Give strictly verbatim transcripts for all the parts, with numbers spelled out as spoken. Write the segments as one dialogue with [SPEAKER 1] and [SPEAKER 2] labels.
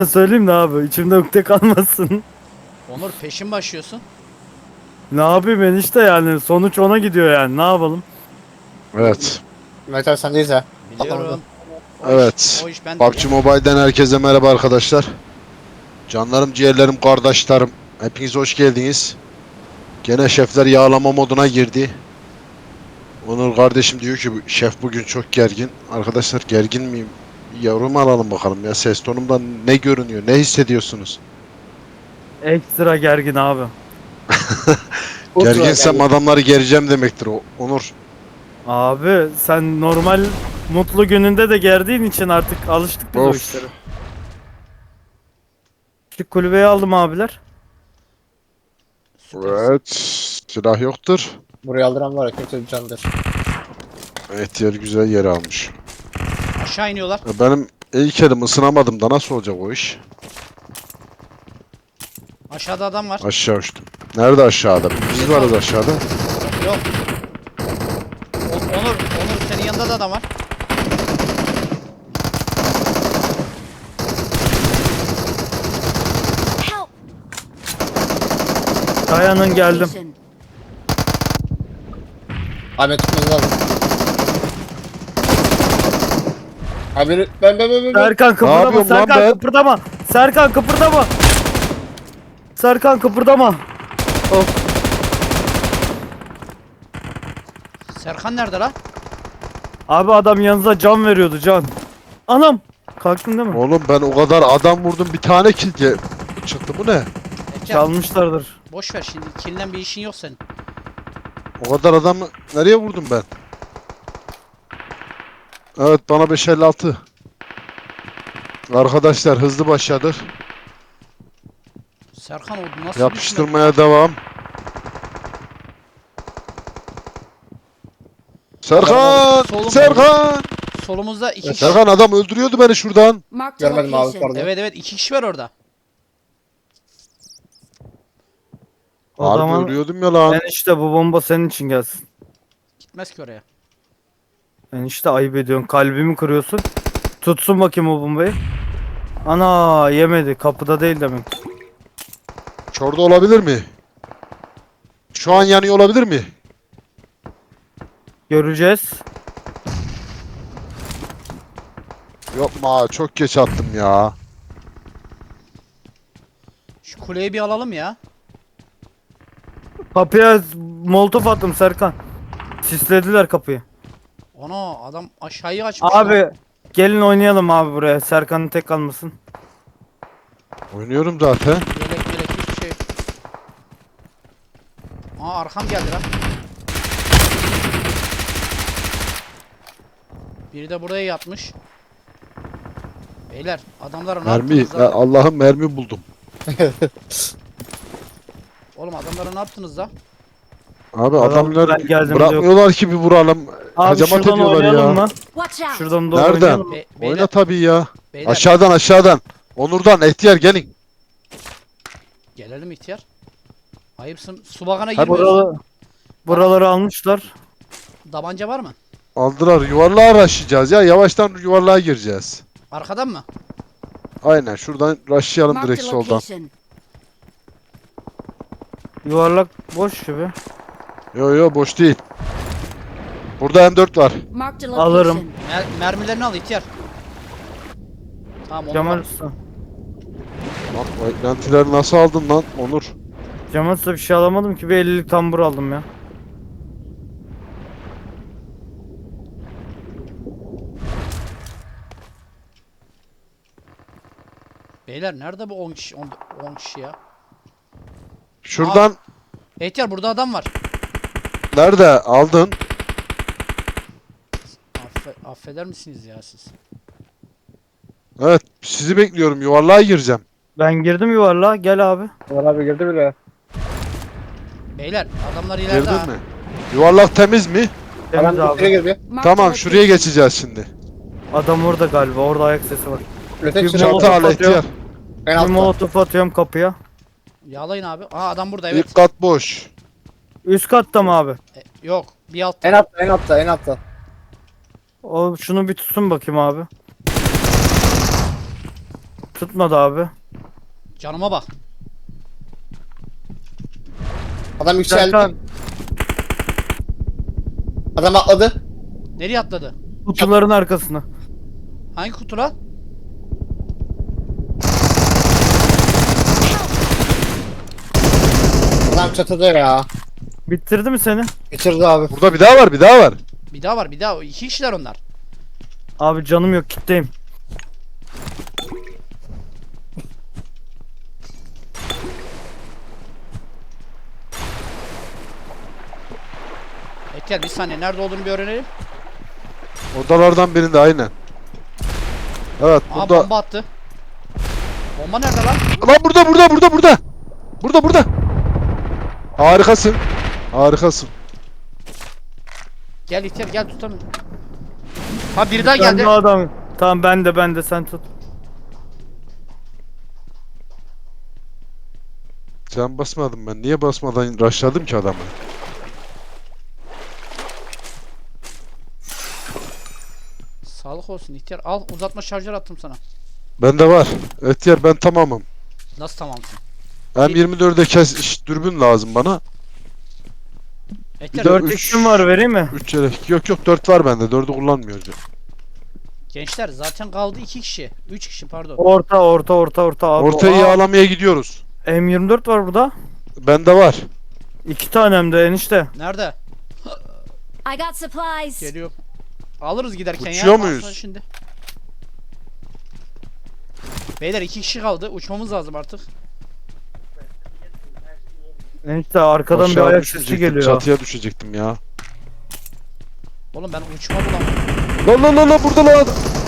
[SPEAKER 1] Söyleyeyim de abi içimde ukde kalmasın.
[SPEAKER 2] Onur peşin başlıyorsun.
[SPEAKER 1] Ne yapayım enişte yani sonuç ona gidiyor yani ne yapalım?
[SPEAKER 3] Evet.
[SPEAKER 4] Metal sendeyiz ha.
[SPEAKER 2] Biliyorum. O
[SPEAKER 3] Evet.
[SPEAKER 2] iş, o iş bende.
[SPEAKER 3] P U B G Mobile'den herkese merhaba arkadaşlar. Canlarım, ciğerlerim, kardeşlerim. Hepiniz hoş geldiniz. Gene şefler yağlama moduna girdi. Onur kardeşim diyor ki şef bugün çok gergin. Arkadaşlar gergin miyim? Yorum alalım bakalım ya. Ses tonumdan ne görünüyor? Ne hissediyorsunuz?
[SPEAKER 1] Ekstra gergin abi.
[SPEAKER 4] Ultra
[SPEAKER 3] Gerginsem
[SPEAKER 4] geldi.
[SPEAKER 3] adamları gereceğim demektir o. Onur.
[SPEAKER 1] Abi sen normal mutlu gününde de gerdiğin için artık alıştık biz o
[SPEAKER 3] Of.
[SPEAKER 1] işlere. Şu kulübeyi aldım abiler.
[SPEAKER 2] Süpersin.
[SPEAKER 3] Evet. Silah yoktur.
[SPEAKER 4] Buraya aldıran var ya kötü bir candır.
[SPEAKER 3] Evet, yer güzel yer almış.
[SPEAKER 2] Aşağı iniyorlar.
[SPEAKER 3] Ya benim ilk elim ısınamadım da nasıl olacak o iş?
[SPEAKER 2] Aşağıda adam var.
[SPEAKER 3] Aşağı uçtum. Nerede aşağıda? Biz varız aşağıda.
[SPEAKER 2] Yok. O- Onur, Onur senin yanında da adam var.
[SPEAKER 5] Help!
[SPEAKER 1] Dayanın geldim.
[SPEAKER 5] Location.
[SPEAKER 4] Abi tutmamız lazım. Abi ben ben ben ben. ben.
[SPEAKER 1] Serkan kıpırdama
[SPEAKER 3] yapıyorum lan
[SPEAKER 1] Serkan
[SPEAKER 3] ben?
[SPEAKER 1] kıpırdama. Serkan kıpırdama. Serkan kıpırdama. Of.
[SPEAKER 2] Serkan nerede la?
[SPEAKER 1] Abi adam yanınıza can veriyordu can. Anam. Kalktın değil mi?
[SPEAKER 3] Oğlum ben o kadar adam vurdum, bir tane kill ge- çıktı, bu ne?
[SPEAKER 2] Ehter,
[SPEAKER 1] Çalmışlardır.
[SPEAKER 2] boş ver şimdi. Killen bir işin yok senin.
[SPEAKER 3] O kadar adamı nereye vurdum ben? Evet, bana beş elli altı. Arkadaşlar hızlı başladık.
[SPEAKER 2] Serkan o nasıl düşmedi?
[SPEAKER 3] Yapıştırmaya devam. Serkan!
[SPEAKER 2] Solum-
[SPEAKER 3] Serkan!
[SPEAKER 2] Solumuzda iki kişi.
[SPEAKER 3] Serkan, adam öldürüyordu beni şuradan.
[SPEAKER 5] Marked a
[SPEAKER 4] Görmedim abi
[SPEAKER 5] location.
[SPEAKER 4] pardon.
[SPEAKER 2] Evet evet iki kişi var orada.
[SPEAKER 1] O
[SPEAKER 3] Harbi
[SPEAKER 1] zaman
[SPEAKER 3] ölüyordum ya lan.
[SPEAKER 1] enişte bu bomba senin için gelsin.
[SPEAKER 2] Gitmez ki oraya.
[SPEAKER 1] Enişte ayıp ediyorsun. Kalbimi kırıyorsun. Tutsun bakayım o bombayı. Ana yemedi. Kapıda değil demek.
[SPEAKER 3] Şurada olabilir mi? Şu an yanıyor olabilir mi?
[SPEAKER 1] Göreceğiz.
[SPEAKER 3] Yapma, çok geç attım ya.
[SPEAKER 2] Şu kuleyi bir alalım ya.
[SPEAKER 1] Kapıya molotof attım Serkan. Sislediler kapıyı.
[SPEAKER 2] Ana adam aşağıyı açmış. lan.
[SPEAKER 1] Abi gelin oynayalım abi buraya. Serkan'ın tek kalmasın.
[SPEAKER 3] Oynuyorum zaten.
[SPEAKER 2] Yelek yelek hiçbir şey yok. Aa arkam geldi lan. Biri de buraya yatmış. Beyler adamlara ne
[SPEAKER 3] Mermi,
[SPEAKER 2] yaptınız
[SPEAKER 3] ya
[SPEAKER 2] la?
[SPEAKER 3] Allah'ım, mermi buldum.
[SPEAKER 2] Oğlum adamlara ne yaptınız da?
[SPEAKER 3] Abi
[SPEAKER 1] Adam,
[SPEAKER 3] adamlar
[SPEAKER 1] ben geldim
[SPEAKER 3] bırakmıyorlar ki bir vuralım.
[SPEAKER 1] Abi
[SPEAKER 3] Hacamat
[SPEAKER 1] şuradan
[SPEAKER 3] ediyorlar
[SPEAKER 1] oynayalım
[SPEAKER 3] ya.
[SPEAKER 1] mı?
[SPEAKER 5] Watch out!
[SPEAKER 1] Şuradan doğru
[SPEAKER 3] Nereden?
[SPEAKER 1] oynayalım mı?
[SPEAKER 2] Be beyler,
[SPEAKER 3] Oyna tabii ya.
[SPEAKER 2] beyler
[SPEAKER 3] Aşağıdan aşağıdan. Onur'dan ihtiyar gelin.
[SPEAKER 2] gelelim ihtiyar. Ayıpsın. Su bagana
[SPEAKER 3] Hadi
[SPEAKER 2] girmiyorsun.
[SPEAKER 1] Buraları, buraları almışlar.
[SPEAKER 2] Tabanca var mı?
[SPEAKER 3] Aldılar, yuvarlığa araştıracağız ya. Yavaştan yuvarlığa gireceğiz.
[SPEAKER 2] Arkadan mı?
[SPEAKER 3] Aynen, şuradan rushlayalım
[SPEAKER 5] Marked
[SPEAKER 3] direkt
[SPEAKER 5] a
[SPEAKER 3] soldan.
[SPEAKER 5] location.
[SPEAKER 1] Yuvarlak boş gibi.
[SPEAKER 3] Yo yo, boş değil. Burada M dört var.
[SPEAKER 5] Marked a
[SPEAKER 1] Alırım.
[SPEAKER 5] location.
[SPEAKER 2] Mer mermilerini al ihtiyar. Tamam onu
[SPEAKER 1] Cemal
[SPEAKER 2] al.
[SPEAKER 1] Usta.
[SPEAKER 3] Bak, o eklentileri nasıl aldın lan Onur?
[SPEAKER 1] Cemal Usta bir şey alamadım ki bir ellilik tambur aldım ya.
[SPEAKER 2] Beyler nerede bu on kişi on kişi ya?
[SPEAKER 3] Şuradan
[SPEAKER 2] İhtiyar burada adam var.
[SPEAKER 3] nerede aldın?
[SPEAKER 2] Affe affeder misiniz ya siz?
[SPEAKER 3] Evet, sizi bekliyorum, yuvarlığa gireceğim.
[SPEAKER 1] Ben girdim yuvarlığa gel abi.
[SPEAKER 4] Ömer abi girdi bile.
[SPEAKER 2] Beyler adamlar ileride
[SPEAKER 3] Girdin
[SPEAKER 2] ha.
[SPEAKER 3] mi? Yuvarlak temiz mi?
[SPEAKER 1] Temiz
[SPEAKER 4] Adam
[SPEAKER 1] abi.
[SPEAKER 4] içeri girdi.
[SPEAKER 5] Marked a
[SPEAKER 3] Tamam, şuraya
[SPEAKER 5] location.
[SPEAKER 3] geçeceğiz şimdi.
[SPEAKER 1] Adam orada galiba. Orada ayak sesi var.
[SPEAKER 4] Ötek
[SPEAKER 1] Bir
[SPEAKER 4] içeri
[SPEAKER 1] molotof
[SPEAKER 3] Çanta
[SPEAKER 4] aldı.
[SPEAKER 3] al
[SPEAKER 1] atıyor.
[SPEAKER 3] ihtiyar.
[SPEAKER 4] En
[SPEAKER 1] Bir
[SPEAKER 4] altta.
[SPEAKER 1] molotof atıyorum kapıya.
[SPEAKER 2] Yağlayın abi. Aa adam burada evet.
[SPEAKER 3] İlk kat boş.
[SPEAKER 1] Üst katta mı abi?
[SPEAKER 2] E, yok bir altta.
[SPEAKER 4] En altta en altta en altta.
[SPEAKER 1] O şunu bir tutsun bakayım abi. Tutmadı abi.
[SPEAKER 2] Canıma bak.
[SPEAKER 4] Adam yükseldi.
[SPEAKER 1] Serkan
[SPEAKER 4] Adam atladı.
[SPEAKER 2] Nereye atladı?
[SPEAKER 1] kutuların arkasına.
[SPEAKER 2] Hangi kutu lan?
[SPEAKER 4] Adam çatıda ya.
[SPEAKER 1] Bitirdi mi seni?
[SPEAKER 4] Bitirdi abi.
[SPEAKER 3] Burada bir daha var, bir daha var.
[SPEAKER 2] Bir daha var bir daha. İki kişiler onlar.
[SPEAKER 1] Abi canım yok, kitleyim.
[SPEAKER 2] Etiyar bir saniye nerede olduğunu bir öğrenelim.
[SPEAKER 3] Odalardan birinde aynen. Evet
[SPEAKER 2] Aa
[SPEAKER 3] burada.
[SPEAKER 2] bomba attı. Bomba nerede lan?
[SPEAKER 3] Lan burada burada burada burada. Burada burada. Harikasın. Harikasın.
[SPEAKER 2] Gel İhtiyar gel tutalım. Ha biri daha
[SPEAKER 1] Ben
[SPEAKER 2] geldi.
[SPEAKER 1] de adam. Tamam ben de ben de sen tut.
[SPEAKER 3] Can basmadım ben. Niye basmadan rushladım ki adamı?
[SPEAKER 2] Sağlık olsun İhtiyar. Al uzatma şarjör attım sana.
[SPEAKER 3] Bende var. Etyer ben tamamım.
[SPEAKER 2] Nasıl tamamsın?
[SPEAKER 3] M yirmi dörde kes iş, dürbün lazım bana.
[SPEAKER 2] Etiyar
[SPEAKER 3] dört-
[SPEAKER 1] dört
[SPEAKER 3] üç-
[SPEAKER 1] x'im var, vereyim mi?
[SPEAKER 3] üç yelek. Yok yok dört var bende. dördü kullanmıyoruz.
[SPEAKER 2] gençler zaten kaldı iki kişi. Üç kişi pardon.
[SPEAKER 1] Orta orta orta orta abi.
[SPEAKER 3] Ortayı
[SPEAKER 1] Aa,
[SPEAKER 3] yağlamaya gidiyoruz.
[SPEAKER 1] M yirmi dört var burada.
[SPEAKER 3] Bende var.
[SPEAKER 1] İki tane hem de enişte.
[SPEAKER 2] Nerede?
[SPEAKER 5] I got supplies.
[SPEAKER 2] Geliyor. Alırız giderken
[SPEAKER 3] Uçuyor
[SPEAKER 2] ya.
[SPEAKER 3] muyuz?
[SPEAKER 2] Baksana Şimdi. Beyler iki kişi kaldı. Uçmamız lazım artık.
[SPEAKER 1] Enişte arkadan bir
[SPEAKER 3] Aşağı
[SPEAKER 1] ayak sesi
[SPEAKER 3] düşecektim,
[SPEAKER 1] geliyor.
[SPEAKER 3] Çatıya düşecektim ya.
[SPEAKER 2] Oğlum ben uçma bulamıyorum.
[SPEAKER 3] Lan lan lan lan burada lan.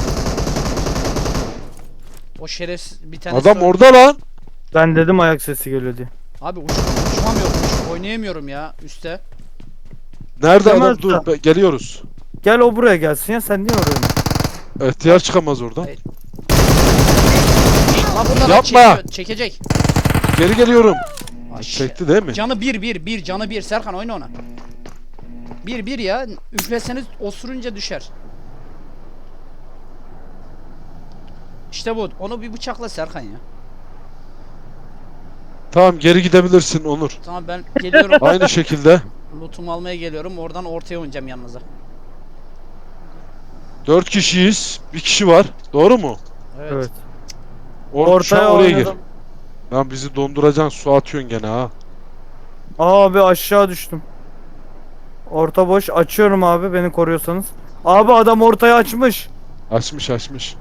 [SPEAKER 2] O şerefsiz bir tane.
[SPEAKER 3] Adam orada lan.
[SPEAKER 1] Ben dedim ayak sesi geliyor diye.
[SPEAKER 2] Abi uç, uçmamıyorum. Uç, oynayamıyorum ya üstte.
[SPEAKER 3] Nerede
[SPEAKER 1] Değil mi
[SPEAKER 3] adam? Dur
[SPEAKER 1] usta?
[SPEAKER 3] be- geliyoruz.
[SPEAKER 1] Gel o buraya gelsin ya, sen niye oraya?
[SPEAKER 3] İhtiyar çıkamaz oradan.
[SPEAKER 2] Evet. Lan burada
[SPEAKER 3] Yapma.
[SPEAKER 2] çekiyor, çekecek.
[SPEAKER 3] Geri geliyorum.
[SPEAKER 2] Ay,
[SPEAKER 3] Çekti değil mi?
[SPEAKER 2] Canı bir bir bir canı bir Serkan oyna ona. Bir bir ya üfleseniz osurunca düşer. İşte bu. Onu bir bıçakla Serkan ya.
[SPEAKER 3] Tamam geri gidebilirsin Onur.
[SPEAKER 2] Tamam ben geliyorum.
[SPEAKER 3] Aynı şekilde.
[SPEAKER 2] Lootumu almaya geliyorum. Oradan ortaya oynayacağım yanınıza.
[SPEAKER 3] Dört kişiyiz. Bir kişi var. Doğru mu?
[SPEAKER 2] Evet.
[SPEAKER 1] Evet.
[SPEAKER 3] Or şu an
[SPEAKER 1] Ortaya
[SPEAKER 3] oraya gir.
[SPEAKER 1] oynadım.
[SPEAKER 3] Lan bizi donduracaksın. Su atıyorsun gene ha.
[SPEAKER 1] Abi aşağı düştüm. Orta boş, açıyorum abi beni koruyorsanız. Abi adam ortaya açmış.
[SPEAKER 3] Açmış açmış.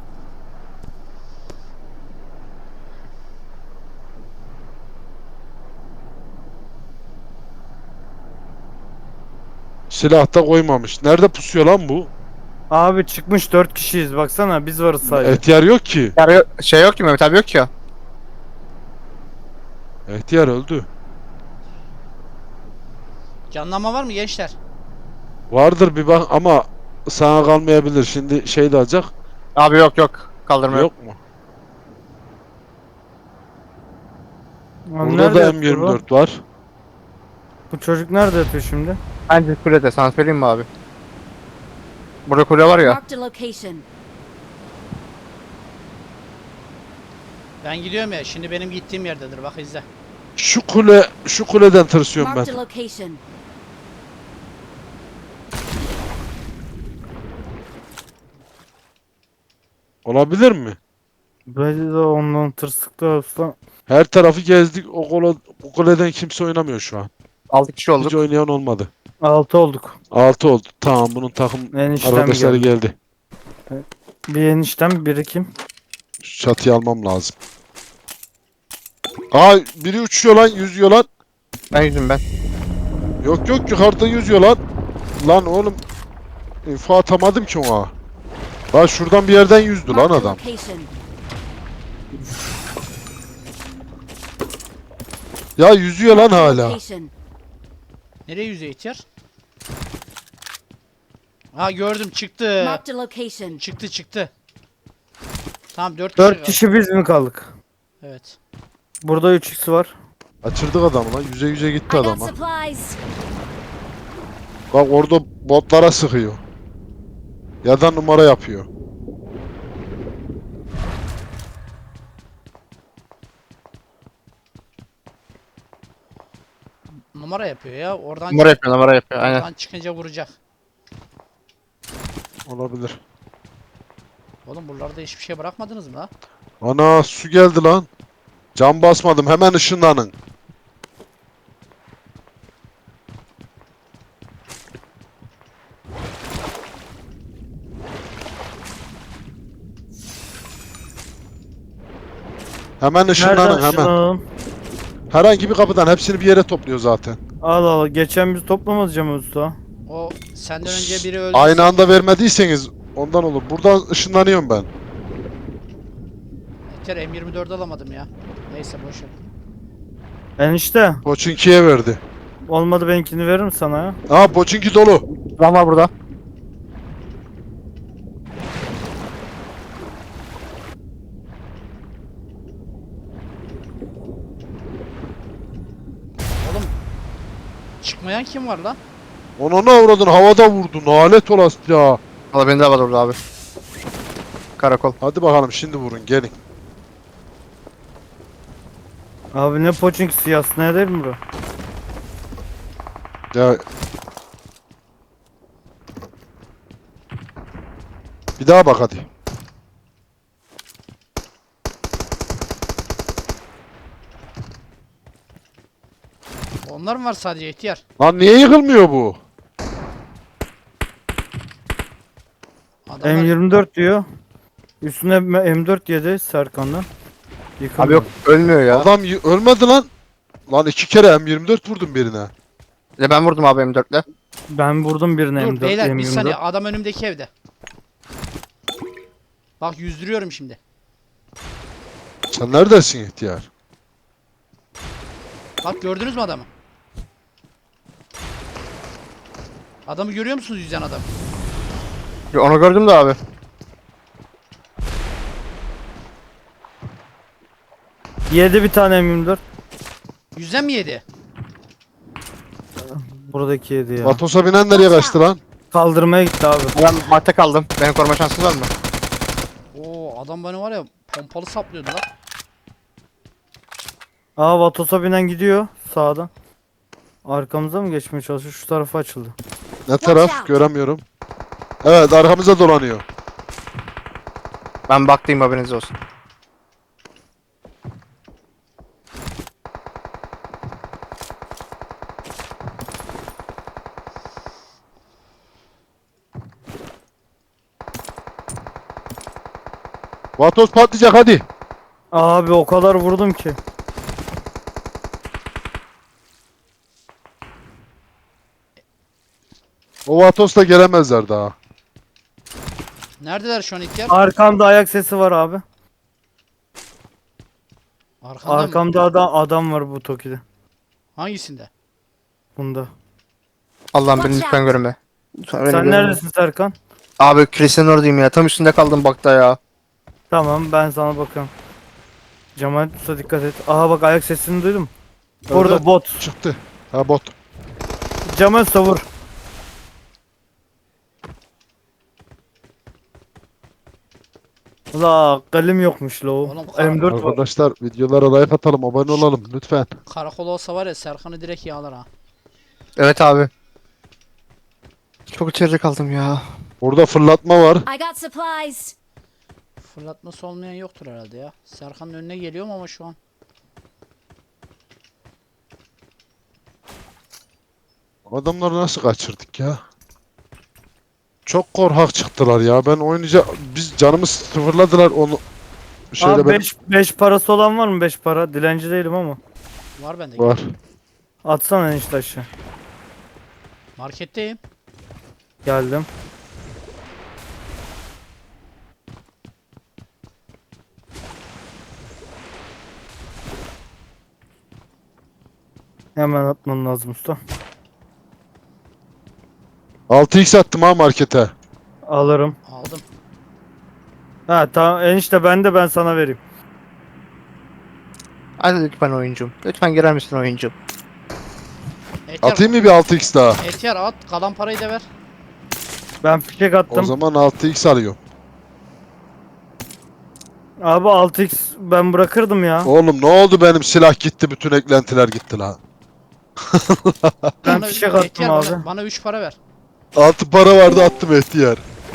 [SPEAKER 3] Silah da koymamış. Nerede pusuyor lan bu?
[SPEAKER 1] Abi çıkmış, dört kişiyiz baksana, biz varız sadece.
[SPEAKER 3] Ehtiyar yok ki.
[SPEAKER 4] Yani şey yok ki Mehmet abi yok ki ya.
[SPEAKER 3] Ehtiyar öldü.
[SPEAKER 2] Canlanma var mı gençler?
[SPEAKER 3] Vardır bir bak ama sana kalmayabilir. Şimdi şey de alacak.
[SPEAKER 4] Abi yok yok. Kaldırma yok.
[SPEAKER 3] Yok mu?
[SPEAKER 1] Abi
[SPEAKER 3] Burada
[SPEAKER 1] nerede
[SPEAKER 3] da
[SPEAKER 1] yatıyor
[SPEAKER 3] M yirmi
[SPEAKER 1] bu?
[SPEAKER 3] dört var.
[SPEAKER 1] Bu çocuk nerede yatıyor şimdi?
[SPEAKER 4] Bence kulede sana söyleyeyim mi abi? Burada kule var ya.
[SPEAKER 5] Marked a location.
[SPEAKER 2] Ben gidiyorum ya. Şimdi benim gittiğim yerdedir. Bak izle.
[SPEAKER 3] Şu kule, şu kuleden tırsıyorum ben.
[SPEAKER 5] Marked a location.
[SPEAKER 3] Olabilir mi?
[SPEAKER 1] Böyle de ondan tırsıklı olsa.
[SPEAKER 3] Her tarafı gezdik. O, kola, o kuleden kimse oynamıyor şu an.
[SPEAKER 4] altı kişi olduk.
[SPEAKER 3] Hiç oynayan olmadı.
[SPEAKER 1] Altı olduk.
[SPEAKER 3] altı oldu. Tamam bunun takım
[SPEAKER 1] Eniştem
[SPEAKER 3] arkadaşları
[SPEAKER 1] geldi.
[SPEAKER 3] geldi.
[SPEAKER 1] Bir eniştem, biri kim?
[SPEAKER 3] Şu çatıyı almam lazım. Aa biri uçuyor lan, yüzüyor lan.
[SPEAKER 4] Ben yüzüm ben.
[SPEAKER 3] Yok yok yukarıda yüzüyor lan. Lan oğlum info atamadım ki ona. Lan şuradan bir yerden yüzdü lan
[SPEAKER 5] Marked a
[SPEAKER 3] adam.
[SPEAKER 5] location.
[SPEAKER 3] Ya yüzüyor lan
[SPEAKER 5] Marked a
[SPEAKER 3] hala.
[SPEAKER 5] location.
[SPEAKER 2] Nereye yüzeye ihtiyar? Ha gördüm çıktı.
[SPEAKER 5] Marked a location.
[SPEAKER 2] Çıktı çıktı. Tamam dört kişi.
[SPEAKER 1] Dört
[SPEAKER 2] kaldı.
[SPEAKER 1] kişi biz mi kaldık?
[SPEAKER 2] Evet.
[SPEAKER 1] Burada üç x var.
[SPEAKER 3] Kaçırdık adamı lan. Yüze yüze gitti
[SPEAKER 5] I got
[SPEAKER 3] adam ha.
[SPEAKER 5] supplies.
[SPEAKER 3] Bak orada botlara sıkıyor. Ya da numara yapıyor.
[SPEAKER 2] Numara yapıyor ya. Oradan,
[SPEAKER 4] Numara yapıyor numara yapıyor aynen.
[SPEAKER 2] oradan çıkınca vuracak.
[SPEAKER 3] Olabilir.
[SPEAKER 2] Oğlum buralarda hiçbir şey bırakmadınız mı la?
[SPEAKER 3] Ana su geldi lan. Cam basmadım hemen ışınlanın. Hemen ışınlanın
[SPEAKER 1] Nereden
[SPEAKER 3] hemen.
[SPEAKER 1] ışınlanalım?
[SPEAKER 3] Herhangi bir kapıdan hepsini bir yere topluyor zaten.
[SPEAKER 1] Al al. Geçen biz toplamadık Cemal Usta.
[SPEAKER 2] O senden önce biri öldü.
[SPEAKER 3] Aynı anda vermediyseniz ondan olur. Buradan ışınlanıyorum ben.
[SPEAKER 2] Yeter M yirmi dört alamadım ya. Neyse boş ver.
[SPEAKER 1] Enişte.
[SPEAKER 3] Poçinki'ye verdi.
[SPEAKER 1] Olmadı benimkini veririm sana ya.
[SPEAKER 3] Aa Poçinki dolu.
[SPEAKER 4] Adam var burada.
[SPEAKER 2] Oğlum çıkmayan kim var lan?
[SPEAKER 3] Onu ne avradın havada vurdun. Alet olası ya.
[SPEAKER 4] Valla beni de var orada abi. Karakol.
[SPEAKER 3] Hadi bakalım şimdi vurun gelin.
[SPEAKER 1] Abi ne poçinkisi yasnaya değil mi bu?
[SPEAKER 3] Ya. Bir daha bak hadi.
[SPEAKER 2] Onlar mı var sadece ihtiyar?
[SPEAKER 3] Lan niye yıkılmıyor bu?
[SPEAKER 2] Adamlar
[SPEAKER 1] M yirmi dört diyor. Üstüne M dört yedi Serkan'dan. Yıkıldı.
[SPEAKER 4] Abi yok ölmüyor ya.
[SPEAKER 3] Adam y- ölmedi lan. Lan iki kere M yirmi dört vurdum birine.
[SPEAKER 4] Ya ben vurdum abi M dörtle.
[SPEAKER 1] Ben vurdum birine
[SPEAKER 2] dur
[SPEAKER 1] M dört.
[SPEAKER 2] beyler bir
[SPEAKER 1] M yirmi dört.
[SPEAKER 2] saniye adam önümdeki evde. Bak yüzdürüyorum şimdi.
[SPEAKER 3] Sen neredesin ihtiyar?
[SPEAKER 2] Bak gördünüz mü adamı? Adamı görüyor musunuz yüzen adam?
[SPEAKER 4] Ya onu gördüm de abi.
[SPEAKER 1] Yedi bir tane M yirmi dört.
[SPEAKER 2] Yüzen mi yedi?
[SPEAKER 1] Buradaki yedi ya.
[SPEAKER 3] Vatos'a binen nereye kaçtı lan?
[SPEAKER 1] Kaldırmaya gitti abi.
[SPEAKER 4] Ben madde kaldım. Beni koruma şansın var mı?
[SPEAKER 2] Oo adam beni var ya pompalı saplıyordu lan.
[SPEAKER 1] Aa Vatos'a binen gidiyor sağdan. Arkamıza mı geçmeye çalışıyor? Şu tarafa açıldı.
[SPEAKER 3] Ne
[SPEAKER 5] Watch
[SPEAKER 3] taraf?
[SPEAKER 5] out.
[SPEAKER 3] Göremiyorum. Evet arkamıza dolanıyor.
[SPEAKER 4] Ben baktım haberiniz olsun.
[SPEAKER 3] Vatos patlayacak hadi.
[SPEAKER 1] Abi o kadar vurdum ki.
[SPEAKER 3] O Vatos'la gelemezler daha.
[SPEAKER 2] Neredeler şu an ihtiyar?
[SPEAKER 1] Arkamda ayak sesi var abi.
[SPEAKER 2] Arkanda mı?
[SPEAKER 1] Arkamda adam, adam var bu Toki'de.
[SPEAKER 2] Hangisinde?
[SPEAKER 1] Bunda.
[SPEAKER 4] Allah'ım beni
[SPEAKER 5] Watch
[SPEAKER 4] lütfen
[SPEAKER 5] out.
[SPEAKER 4] görme. Lütfen beni
[SPEAKER 1] Sen
[SPEAKER 4] görme.
[SPEAKER 1] neredesin Serkan?
[SPEAKER 4] Abi kilisenin oradayım ya. Tam üstünde kaldım bakta ya.
[SPEAKER 1] Tamam ben sana bakıyorum. Cemal Usta dikkat et. Aha bak ayak sesini duydum. Orada
[SPEAKER 3] Evet,
[SPEAKER 1] bot.
[SPEAKER 3] çıktı. Ha bot.
[SPEAKER 1] Cemal Usta vur. La kalim yokmuş la o.
[SPEAKER 2] Oğlum, kar-
[SPEAKER 1] M dört var.
[SPEAKER 3] Arkadaşlar videolara like atalım, abone olalım lütfen.
[SPEAKER 2] Karakol olsa var ya Serkan'ı direkt yağlar ha.
[SPEAKER 4] Evet abi. Çok içeride kaldım ya.
[SPEAKER 3] Burada fırlatma var.
[SPEAKER 5] I got supplies.
[SPEAKER 2] Fırlatması olmayan yoktur herhalde ya. Serkan'ın önüne geliyorum ama şu an.
[SPEAKER 3] Adamları nasıl kaçırdık ya? Çok korkak çıktılar ya. Ben oynayacak biz canımız sıfırladılar onu. Şöyle
[SPEAKER 1] Abi
[SPEAKER 3] ben
[SPEAKER 1] 5 parası olan var mı? beş para. Dilenci değilim ama.
[SPEAKER 2] Var bende.
[SPEAKER 3] var.
[SPEAKER 1] Atsana enişte aşağı.
[SPEAKER 2] Marketteyim.
[SPEAKER 1] Geldim. Hemen atman lazım usta.
[SPEAKER 3] altı x attım ha markete.
[SPEAKER 1] Alırım.
[SPEAKER 2] Aldım.
[SPEAKER 1] Ha tamam enişte ben de ben sana vereyim.
[SPEAKER 4] Hadi lütfen oyuncum. Lütfen girer misin oyuncum?
[SPEAKER 2] Ehtiyar,
[SPEAKER 3] Atayım mı bir altı x daha?
[SPEAKER 2] Ehtiyar at. Kalan parayı da ver.
[SPEAKER 1] Ben fişek
[SPEAKER 3] O
[SPEAKER 1] attım.
[SPEAKER 3] zaman altı x alıyorum.
[SPEAKER 1] Abi altı x ben bırakırdım ya.
[SPEAKER 3] Oğlum ne oldu benim silah gitti bütün eklentiler gitti lan.
[SPEAKER 1] Ben
[SPEAKER 2] Bana-
[SPEAKER 1] fişek attım
[SPEAKER 2] Ehtiyar,
[SPEAKER 1] abi.
[SPEAKER 2] Bana, bana üç para ver.
[SPEAKER 3] Altı para vardı attım ihtiyar.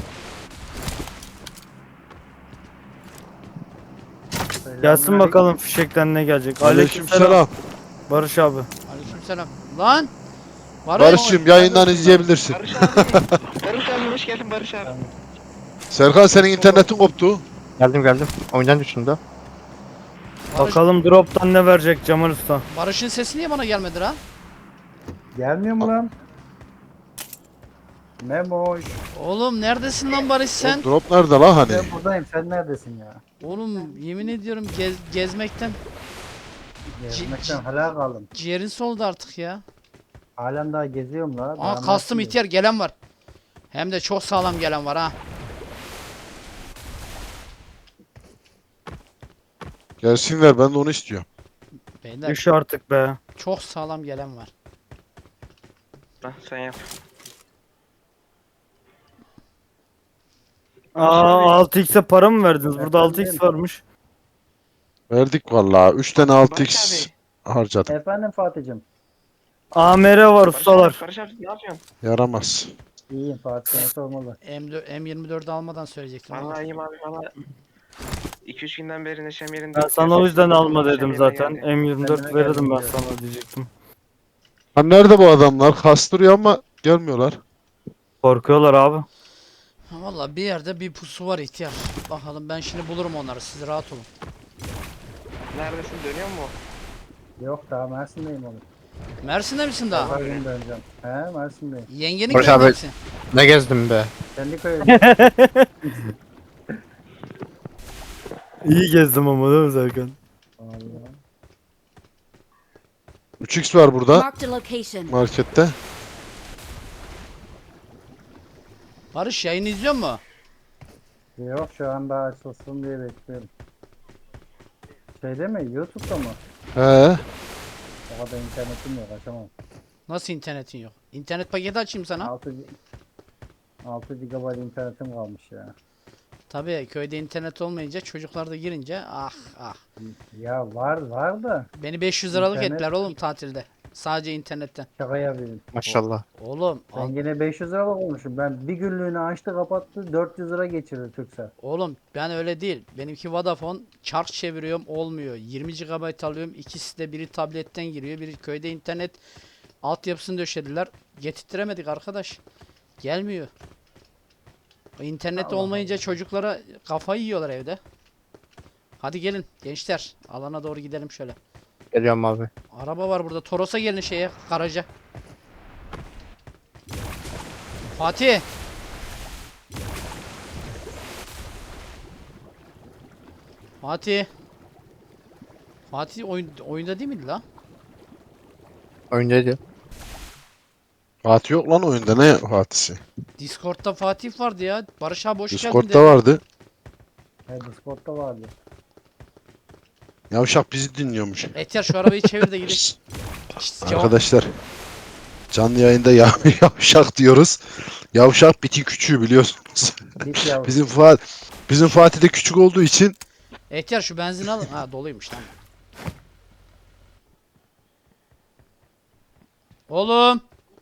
[SPEAKER 1] Gelsin bakalım fişekten ne gelecek.
[SPEAKER 3] Aleykümselam.
[SPEAKER 1] Barış abi.
[SPEAKER 2] Aleykümselam. Lan! Barış.
[SPEAKER 3] Barış'cığım yayından izleyebilirsin.
[SPEAKER 6] Barış abi. Barış abi hoş geldin Barış abi.
[SPEAKER 3] Serkan senin internetin koptu.
[SPEAKER 4] Geldim geldim. Oyundan düştüm de.
[SPEAKER 2] Barış-
[SPEAKER 1] Bakalım drop'tan ne verecek Cemal Usta.
[SPEAKER 2] Barış'ın sesi niye bana gelmedi ha?
[SPEAKER 7] Gelmiyor mu lan? Memoş.
[SPEAKER 2] Oğlum neredesin lan Barış sen?
[SPEAKER 3] O drop nerede la hani?
[SPEAKER 7] Ben buradayım. Sen neredesin ya?
[SPEAKER 2] Oğlum yemin ediyorum gez, gezmekten
[SPEAKER 7] Gezmekten hala kaldım.
[SPEAKER 2] ciğerin soldu artık ya.
[SPEAKER 7] Halen daha geziyorum la.
[SPEAKER 2] Aa
[SPEAKER 7] Daha
[SPEAKER 2] kastım
[SPEAKER 7] nasıl
[SPEAKER 2] ihtiyar gelen var. Hem de çok sağlam gelen var ha.
[SPEAKER 3] Gelsinler ben de onu istiyorum.
[SPEAKER 2] Beyler
[SPEAKER 1] Düş artık be.
[SPEAKER 2] çok sağlam gelen var.
[SPEAKER 6] Hah, sen yap.
[SPEAKER 1] Aa altı x'e para mı verdiniz? Burada altı x
[SPEAKER 7] Efendim?
[SPEAKER 1] varmış.
[SPEAKER 3] Verdik vallahi. üç tane altı x
[SPEAKER 6] Barış
[SPEAKER 3] harcadım.
[SPEAKER 7] Efendim Fatih'cim.
[SPEAKER 1] A M R var
[SPEAKER 6] Barış
[SPEAKER 1] ustalar.
[SPEAKER 6] abi, Barış abi ne yapıyorsun?
[SPEAKER 3] Yaramaz.
[SPEAKER 7] İyiyim Fatih. Seni sormalı.
[SPEAKER 2] M dört, M yirmi dördü almadan söyleyecektim. ama.
[SPEAKER 6] Vallahi iyiyim abi valla. iki üç günden beri neşem yerinde.
[SPEAKER 1] Ben sana o yüzden alma
[SPEAKER 6] Neşem
[SPEAKER 1] dedim
[SPEAKER 6] yerine
[SPEAKER 1] zaten.
[SPEAKER 6] geldi.
[SPEAKER 1] M yirmi dört
[SPEAKER 7] Kendime
[SPEAKER 1] verirdim ben
[SPEAKER 7] geldim
[SPEAKER 1] sana diyecektim.
[SPEAKER 3] Ha nerede bu adamlar? Kastırıyor ama gelmiyorlar.
[SPEAKER 1] Korkuyorlar abi.
[SPEAKER 2] Ha, Valla bir yerde bir pusu var ihtiyar. Bakalım ben şimdi bulurum onları siz rahat olun.
[SPEAKER 6] Neredesin dönüyor mu?
[SPEAKER 7] Yok daha Mersin'deyim oğlum.
[SPEAKER 2] Mersin'de misin daha?
[SPEAKER 7] Pazar günü döneceğim. He Mersin'deyim.
[SPEAKER 2] Yengenin
[SPEAKER 4] Barış
[SPEAKER 2] köyünde
[SPEAKER 4] abi-
[SPEAKER 2] misin?
[SPEAKER 4] Ne gezdim be.
[SPEAKER 7] Kendi köyümde.
[SPEAKER 1] İyi gezdim ama değil mi Serkan?
[SPEAKER 7] Vallahi.
[SPEAKER 3] üç x var burada
[SPEAKER 5] Marked a location.
[SPEAKER 3] markette.
[SPEAKER 2] Barış yayını izliyor mu?
[SPEAKER 7] Yok şu an daha açılsın diye bekliyorum. Şeyde mi? YouTube'da mı?
[SPEAKER 3] He.
[SPEAKER 7] O kadar internetim yok açamam.
[SPEAKER 2] Nasıl internetin yok? İnternet paketi açayım sana.
[SPEAKER 7] altı altı gigabayt internetim kalmış ya.
[SPEAKER 2] Tabii köyde internet olmayınca çocuklar da girince ah ah.
[SPEAKER 7] Ya var var da
[SPEAKER 2] Beni beş yüz liralık
[SPEAKER 7] İnternet-
[SPEAKER 2] ettiler oğlum tatilde. Sadece internetten.
[SPEAKER 7] şaka yapayım.
[SPEAKER 4] Maşallah.
[SPEAKER 2] Oğlum
[SPEAKER 7] Ben
[SPEAKER 2] al-
[SPEAKER 7] yine beş yüz lira olmuşum. Ben bir günlüğüne açtı kapattı dört yüz lira geçirdi Türksel.
[SPEAKER 2] oğlum ben öyle değil. Benimki Vodafone çark çeviriyorum olmuyor. yirmi gigabayt alıyorum. İkisi de biri tabletten giriyor. Biri köyde internet altyapısını döşediler. Getirtiremedik arkadaş. Gelmiyor. O İnternet
[SPEAKER 7] Allah
[SPEAKER 2] olmayınca çocuklara kafayı yiyorlar evde. Hadi gelin gençler. Alana doğru gidelim şöyle.
[SPEAKER 4] Geliyorum abi.
[SPEAKER 2] Araba var burada. Toros'a gelin şeye, garaja. Fatih. Fatih. Fatih oyun, oyunda değil miydi la?
[SPEAKER 4] Oyundaydı.
[SPEAKER 3] Fatih yok lan oyunda, ne Fatih'si?
[SPEAKER 2] Discord'da Fatih vardı ya. Barış abi hoş geldin
[SPEAKER 3] Discord'da
[SPEAKER 2] dedi.
[SPEAKER 3] vardı.
[SPEAKER 7] He Discord'da vardı.
[SPEAKER 3] Yavşak bizi dinliyormuş.
[SPEAKER 2] Ehtiyar şu arabayı çevir de gidelim. Şşt, cevap-
[SPEAKER 3] Arkadaşlar canlı yayında ya yavşak diyoruz. Yavşak biti küçüğü biliyorsunuz.
[SPEAKER 7] Bit yavrum.
[SPEAKER 3] Bizim Fatih bizim Fatih de küçük olduğu için
[SPEAKER 2] Ehtiyar şu benzin alın. Ha doluymuş tamam. Oğlum.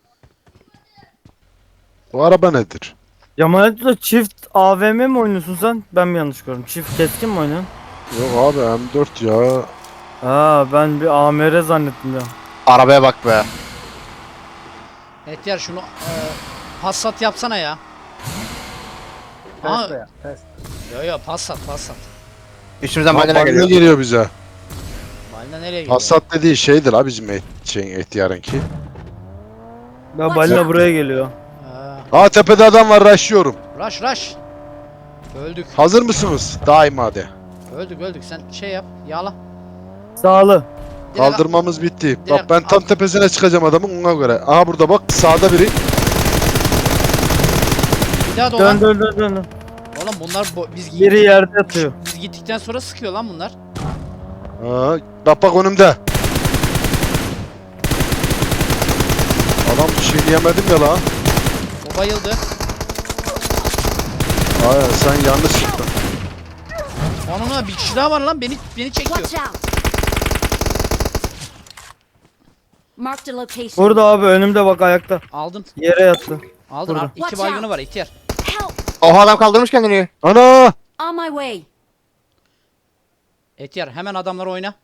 [SPEAKER 3] o araba nedir?
[SPEAKER 1] Cemal Usta çift A V M mi oynuyorsun sen? Ben mi yanlış gördüm? Çift keskin mi oynuyorsun?
[SPEAKER 3] Yok abi M dört ya.
[SPEAKER 1] Ha ben bir A M R zannettim ya.
[SPEAKER 4] Arabaya bak be.
[SPEAKER 2] Ehtiyar şunu e, Passat yapsana ya.
[SPEAKER 7] Test
[SPEAKER 2] Aa.
[SPEAKER 7] de yap, test.
[SPEAKER 2] Yo yo Passat Passat.
[SPEAKER 4] Üstümüzden
[SPEAKER 3] Lan
[SPEAKER 4] balina
[SPEAKER 3] balina
[SPEAKER 4] geliyor.
[SPEAKER 3] geliyor bize.
[SPEAKER 2] Balina nereye gidiyor?
[SPEAKER 3] Passat dediği şeydir abi bizim et, şeyin ihtiyarınki.
[SPEAKER 1] Ya balina buraya geliyor.
[SPEAKER 2] Ha,
[SPEAKER 3] Aa tepede adam var, rushlıyorum.
[SPEAKER 2] rush rush. Öldük.
[SPEAKER 3] Hazır mısınız? Daima de.
[SPEAKER 2] Öldük öldük. Sen şey yap. Yağla.
[SPEAKER 1] Sağlı.
[SPEAKER 2] Direkt-
[SPEAKER 3] Kaldırmamız bitti.
[SPEAKER 2] direkt
[SPEAKER 3] Bak ben tam
[SPEAKER 2] al.
[SPEAKER 3] tepesine çıkacağım adamın, ona göre. Aha burada bak sağda biri.
[SPEAKER 2] Bir daha dolan.
[SPEAKER 1] Dön dön dön dön.
[SPEAKER 2] Oğlum bunlar bo- biz
[SPEAKER 1] Biri yerde yatıyor.
[SPEAKER 2] biz gittikten sonra sıkıyor lan bunlar.
[SPEAKER 3] Aa, bak bak önümde. Adam bir şey diyemedim ya lan.
[SPEAKER 2] O bayıldı.
[SPEAKER 3] Aynen sen yanlış çıktın.
[SPEAKER 2] Onunla bir kişi daha var lan beni beni çekiyor.
[SPEAKER 5] Watch out! Marked a location.
[SPEAKER 1] Burada abi önümde bak ayakta.
[SPEAKER 2] Aldın.
[SPEAKER 1] Yere yattı.
[SPEAKER 2] Aldın.
[SPEAKER 1] Burada.
[SPEAKER 2] Al. İki
[SPEAKER 5] Watch
[SPEAKER 2] baygını
[SPEAKER 5] out.
[SPEAKER 2] var ihtiyar.
[SPEAKER 5] Help!
[SPEAKER 4] Oha adam kaldırmış kendini.
[SPEAKER 3] Ana!
[SPEAKER 5] On my way.
[SPEAKER 2] İhtiyar hemen adamları oyna.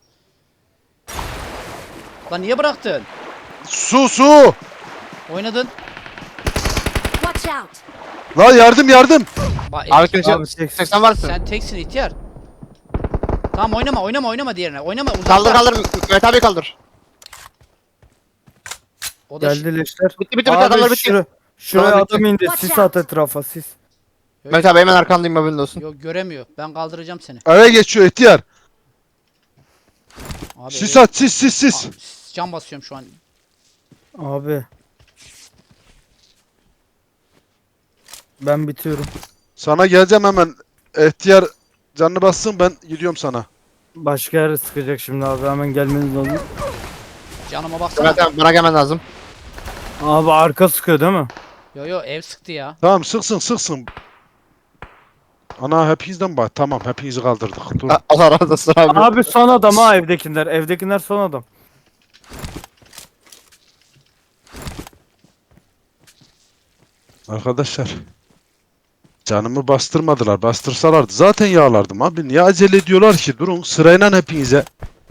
[SPEAKER 2] Lan niye bıraktın?
[SPEAKER 3] Su su!
[SPEAKER 2] Oynadın.
[SPEAKER 5] Watch out.
[SPEAKER 3] Lan yardım yardım!
[SPEAKER 2] Bak,
[SPEAKER 4] Abi
[SPEAKER 2] ihtiyar-
[SPEAKER 4] kimse
[SPEAKER 1] Abi seksen.
[SPEAKER 4] seksen varsın.
[SPEAKER 2] sen teksin ihtiyar. Tamam oynama oynama oynama diğerine. Oynama uzakta.
[SPEAKER 4] Kaldır kaldır. Mehmet abi kaldır.
[SPEAKER 2] O da
[SPEAKER 1] Geldi leşler.
[SPEAKER 4] Bitti bitti bitti adamlar
[SPEAKER 1] Abi
[SPEAKER 4] bitti.
[SPEAKER 1] şura, şuraya
[SPEAKER 4] Tamam, bitti.
[SPEAKER 1] adam indi.
[SPEAKER 5] Watch
[SPEAKER 1] Sis
[SPEAKER 5] out.
[SPEAKER 1] at etrafa sis.
[SPEAKER 4] Mehmet abi hemen arkandayım haberin olsun.
[SPEAKER 2] Yok göremiyor. Ben kaldıracağım seni.
[SPEAKER 3] Eve geçiyor ihtiyar.
[SPEAKER 2] Abi
[SPEAKER 3] Sis
[SPEAKER 2] evet.
[SPEAKER 3] at sis sis sis.
[SPEAKER 2] Aa, Can basıyorum şu an.
[SPEAKER 1] Abi. Ben bitiyorum.
[SPEAKER 3] Sana geleceğim hemen. İhtiyar canını bassın ben gidiyorum sana.
[SPEAKER 1] Başka yere sıkacak şimdi abi. Hemen gelmeniz lazım.
[SPEAKER 2] Canıma baksana.
[SPEAKER 4] Mehmet abi bana gelmen lazım.
[SPEAKER 1] Abi arka sıkıyor değil mi?
[SPEAKER 2] Yo yo ev sıktı ya.
[SPEAKER 3] Tamam sıksın sıksın. Ana hepinizden bak. Tamam hepinizi kaldırdık. Dur.
[SPEAKER 4] A- Allah razı olsun abi.
[SPEAKER 1] Abi son adam ha evdekiler. Evdekiler son adam.
[SPEAKER 3] Arkadaşlar. Canımı bastırmadılar. Bastırsalardı zaten yağlardım abi. Niye acele ediyorlar ki? Durun sırayla hepinize.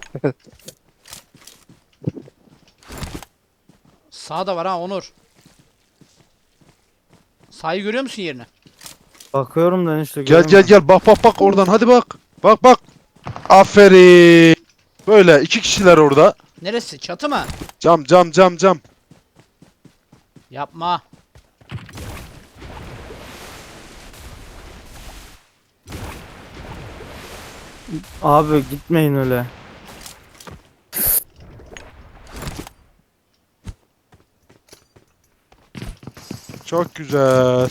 [SPEAKER 2] Sağda var ha Onur. Sağı görüyor musun yerini?
[SPEAKER 1] Bakıyorum da işte.
[SPEAKER 3] Gel gel
[SPEAKER 1] göremiyorum.
[SPEAKER 3] gel bak bak bak oradan hadi bak. Bak bak. Aferin. Böyle iki kişiler orada.
[SPEAKER 2] Neresi? Çatı mı?
[SPEAKER 3] Cam cam cam cam.
[SPEAKER 2] Yapma.
[SPEAKER 1] Abi gitmeyin öyle.
[SPEAKER 3] Çok güzel.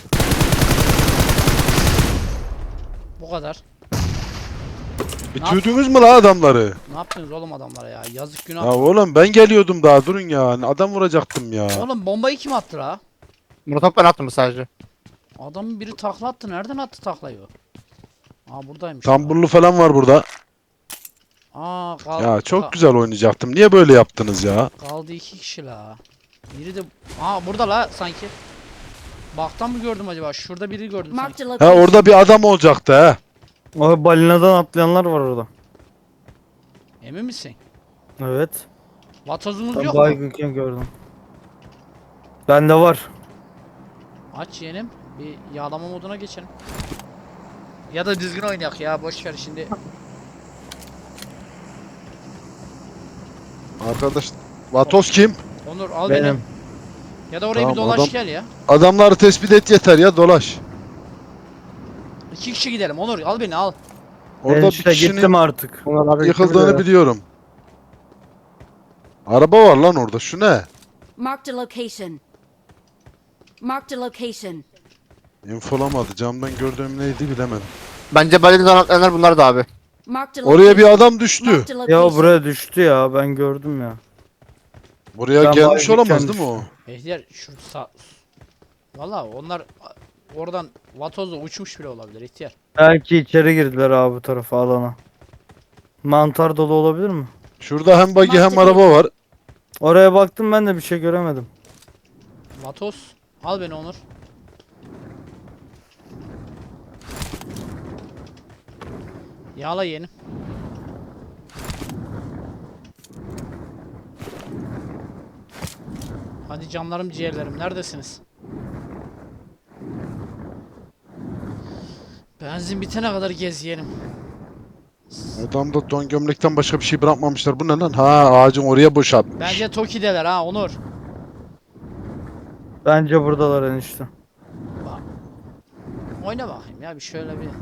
[SPEAKER 2] Bu kadar.
[SPEAKER 3] Bitirdiniz mi la adamları?
[SPEAKER 2] Ne yaptınız oğlum adamlara ya? Yazık günah.
[SPEAKER 3] Ya oğlum ben geliyordum daha durun ya. Adam vuracaktım ya.
[SPEAKER 2] Oğlum bombayı kim attı la?
[SPEAKER 4] Bunu top ben attım sadece.
[SPEAKER 2] Adamın biri takla attı. Nereden attı taklayı o? Aa buradaymış.
[SPEAKER 3] Tamburlu falan var burada.
[SPEAKER 2] Aa kaldı.
[SPEAKER 3] Ya çok güzel oynayacaktım. Niye böyle yaptınız ya?
[SPEAKER 2] Kaldı iki kişi la. Biri de... Aa burada la sanki. Baktan mı gördüm acaba? Şurada biri gördüm
[SPEAKER 5] Marked
[SPEAKER 2] sanki.
[SPEAKER 5] a
[SPEAKER 3] Ha
[SPEAKER 5] location.
[SPEAKER 3] orada bir adam olacaktı ha.
[SPEAKER 1] O balinadan atlayanlar var orada.
[SPEAKER 2] Emin misin?
[SPEAKER 1] Evet.
[SPEAKER 2] Vatozumuz
[SPEAKER 1] Ben
[SPEAKER 2] yok mu?
[SPEAKER 1] baygınken gördüm. Bende var.
[SPEAKER 2] Aç yeğenim. Bir yağlama moduna geçelim. Ya da düzgün oynayak ya. Boş ver şimdi.
[SPEAKER 3] Arkadaş Vatos kim?
[SPEAKER 2] Onur al beni.
[SPEAKER 1] Benim.
[SPEAKER 2] Ya da oraya
[SPEAKER 3] Tamam,
[SPEAKER 2] bir dolaş
[SPEAKER 3] adam-
[SPEAKER 2] gel ya.
[SPEAKER 3] Adamları tespit et yeter ya dolaş.
[SPEAKER 2] İki kişi gidelim. Onur al beni al.
[SPEAKER 1] Ben
[SPEAKER 3] Orada bir
[SPEAKER 1] işte
[SPEAKER 3] kişinin
[SPEAKER 1] gittim artık.
[SPEAKER 4] Bunlar abi
[SPEAKER 3] yıkıldığını biliyorum. Araba var lan orada. Şu ne?
[SPEAKER 5] Marked a location. Marked a location.
[SPEAKER 3] İnfolamadı. Camdan gördüğüm neydi bilemedim.
[SPEAKER 4] Bence balinadan atlayanlar bunlar da abi.
[SPEAKER 5] Marked a location.
[SPEAKER 3] Oraya bir adam düştü.
[SPEAKER 5] Marked a
[SPEAKER 1] Ya
[SPEAKER 5] location.
[SPEAKER 1] buraya düştü ya ben gördüm ya.
[SPEAKER 3] Buraya
[SPEAKER 1] Ben
[SPEAKER 3] gelmiş
[SPEAKER 1] baygınken
[SPEAKER 3] olamaz değil mi o?
[SPEAKER 2] Ehtiyar şu sağ... Valla onlar oradan vatozla uçmuş bile olabilir ihtiyar.
[SPEAKER 1] Belki içeri girdiler abi bu tarafa alana. Mantar dolu olabilir mi?
[SPEAKER 3] Şurada hem buggy hem araba var.
[SPEAKER 1] Oraya baktım ben de bir şey göremedim.
[SPEAKER 2] Vatoz al beni Onur. Yağla yeğenim. Hadi canlarım ciğerlerim neredesiniz? Benzin bitene kadar gez yeğenim.
[SPEAKER 3] Adamda don gömlekten başka bir şey bırakmamışlar. Bu ne lan? Ha ağacın oraya boşaltmış.
[SPEAKER 2] Bence Toki'deler ha Onur.
[SPEAKER 1] Bence buradalar enişte.
[SPEAKER 2] Bak. Oyna bakayım ya bir şöyle bir.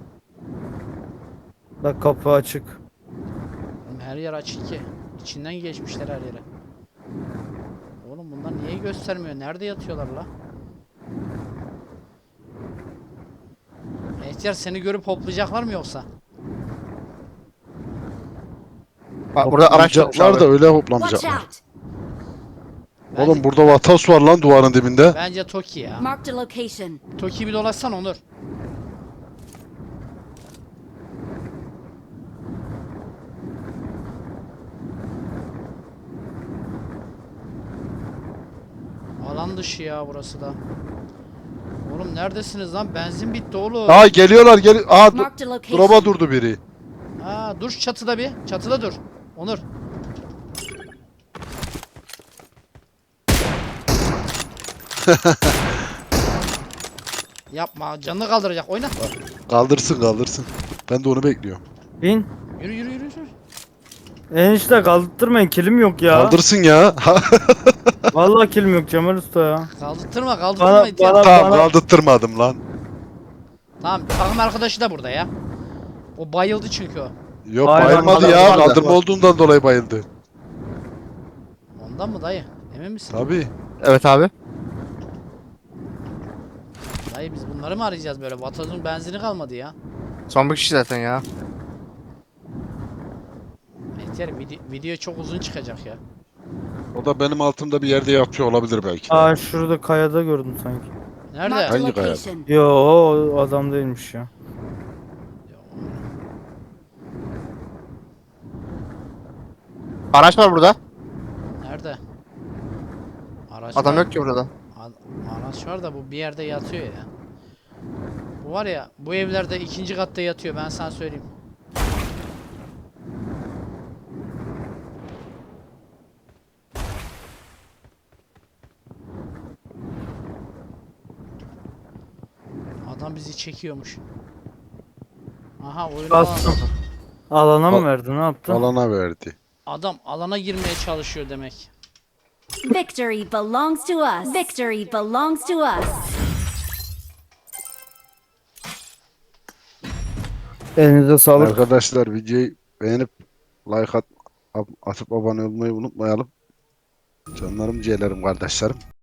[SPEAKER 1] Bak kapı açık.
[SPEAKER 2] Oğlum her yer açık ki. İçinden geçmişler her yere. Oğlum bunlar niye göstermiyor? Nerede yatıyorlar la? Ehtiyar seni görüp hoplayacaklar mı yoksa?
[SPEAKER 4] Bak burada araç yokmuş
[SPEAKER 3] Hoplamayacaklar da
[SPEAKER 4] abi.
[SPEAKER 3] öyle
[SPEAKER 5] Watch
[SPEAKER 3] hoplamayacaklar.
[SPEAKER 5] out.
[SPEAKER 2] Bence,
[SPEAKER 3] Oğlum burada vatas var lan duvarın dibinde.
[SPEAKER 2] bence Toki ya.
[SPEAKER 5] Marked a location.
[SPEAKER 2] Toki bir dolaşsan Onur. Alan dışı ya burası da. Oğlum neredesiniz lan? Benzin bitti oğlum.
[SPEAKER 3] Aa geliyorlar gel. Aa du-
[SPEAKER 5] Marked a location.
[SPEAKER 3] drop'a durdu biri.
[SPEAKER 2] Ha, dur şu çatıda bir. Çatıda dur. Onur. Yapma. Canını kaldıracak. Oyna.
[SPEAKER 3] Kaldırsın kaldırsın. Ben de onu bekliyorum.
[SPEAKER 1] Bin.
[SPEAKER 2] Yürü yürü yürü. yürü.
[SPEAKER 1] Enişte kaldırtmayın, kilim yok ya.
[SPEAKER 3] Kaldırsın ya.
[SPEAKER 1] Vallahi kilim yok Cemal Usta ya.
[SPEAKER 2] Kaldırtırma kaldırtırma.
[SPEAKER 1] Bana,
[SPEAKER 2] ihtiyar.
[SPEAKER 1] bana,
[SPEAKER 3] Tamam
[SPEAKER 1] bana.
[SPEAKER 3] kaldırtırmadım lan.
[SPEAKER 2] Tamam takım arkadaşı da burada ya. O bayıldı çünkü o.
[SPEAKER 3] Yok
[SPEAKER 1] Aynen,
[SPEAKER 3] bayılmadı
[SPEAKER 1] adam
[SPEAKER 3] ya.
[SPEAKER 1] var da.
[SPEAKER 3] Kaldırma olduğundan dolayı bayıldı.
[SPEAKER 2] Ondan mı dayı? Emin misin?
[SPEAKER 3] Tabii.
[SPEAKER 4] Evet abi.
[SPEAKER 2] Dayı biz bunları mı arayacağız böyle? Vatozun benzini kalmadı ya.
[SPEAKER 4] Son bir kişi zaten ya.
[SPEAKER 2] İhtiyar video, video çok uzun çıkacak ya.
[SPEAKER 3] O da benim altımda bir yerde yatıyor olabilir belki.
[SPEAKER 1] Aa şurada kayada gördüm sanki.
[SPEAKER 2] Nerede?
[SPEAKER 5] Marked a
[SPEAKER 3] Hangi kaya?
[SPEAKER 5] location.
[SPEAKER 1] Yo o adam değilmiş ya.
[SPEAKER 4] Araç var burada.
[SPEAKER 2] Nerede? Araç
[SPEAKER 4] Adam
[SPEAKER 2] var.
[SPEAKER 4] yok ki burada.
[SPEAKER 2] A- Araç var da bu bir yerde yatıyor ya. Bu var ya bu evlerde ikinci katta yatıyor ben sana söyleyeyim. Adam bizi çekiyormuş. Aha oyunu
[SPEAKER 1] Bastım.
[SPEAKER 2] alan-
[SPEAKER 1] Alana mı
[SPEAKER 3] Al-
[SPEAKER 1] verdi, ne yaptı?
[SPEAKER 3] Alana verdi.
[SPEAKER 2] Adam alana girmeye çalışıyor demek.
[SPEAKER 5] Victory belongs to us. Victory belongs to us.
[SPEAKER 1] Elinize sağlık.
[SPEAKER 3] Arkadaşlar videoyu beğenip like at, atıp abone olmayı unutmayalım. Canlarım, ciğerlerim, kardeşlerim.